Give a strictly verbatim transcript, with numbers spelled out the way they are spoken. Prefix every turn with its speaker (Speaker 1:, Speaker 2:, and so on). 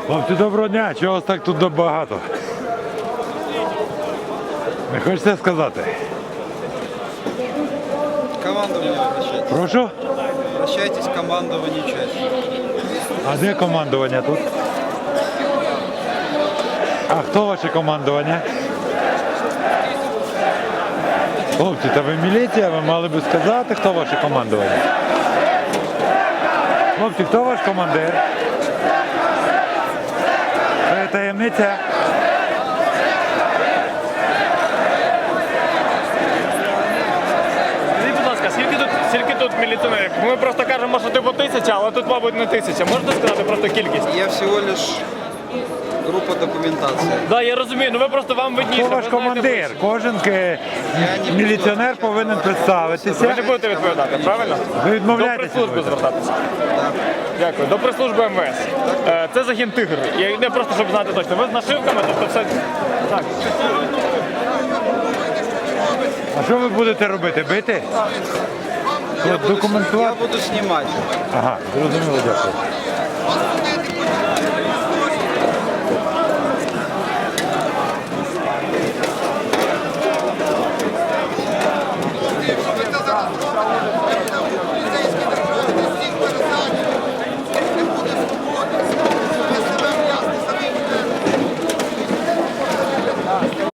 Speaker 1: Хлопці, доброго дня, чого вас так тут багато? Не хочете сказати?
Speaker 2: Командование обращайтесь.
Speaker 1: Прошу?
Speaker 2: Обращайтесь к командованию части.
Speaker 1: А де командування тут? А хто ваше командування? Хлопці, та ви міліція, ви мали би сказати, хто ваше командування. Хлопці, хто ваш командир? Це таємниця.
Speaker 3: Скажіть, будь ласка, скільки тут, скільки тут міліціонерів? Ми просто кажемо, що типу тисяча, але тут, мабуть, не тисяча. Можете сказати просто кількість?
Speaker 2: Я всего лишь группа документации.
Speaker 3: Так, да, я розумію, ну ви просто вам видніше.
Speaker 1: Хто
Speaker 3: ви
Speaker 1: ваш
Speaker 3: знаєте
Speaker 1: командир?
Speaker 3: більше.
Speaker 1: Кожен е, міліціонер повинен
Speaker 3: Ви
Speaker 1: представитися.
Speaker 3: не будете відповідати, правильно?
Speaker 1: Ви
Speaker 3: До
Speaker 1: відмовляєтеся?
Speaker 3: прес-служби звертатися. Дякую. До прес-служби ем ве ес. Е, Це загін «Тигр». Я не просто, щоб знати точно. Ви з нашивками, тобто все... Так.
Speaker 1: А що ви будете робити? Бити?
Speaker 2: Я буду, я
Speaker 1: Документувати?
Speaker 2: буду снимать.
Speaker 1: Ага, зрозуміло, дякую.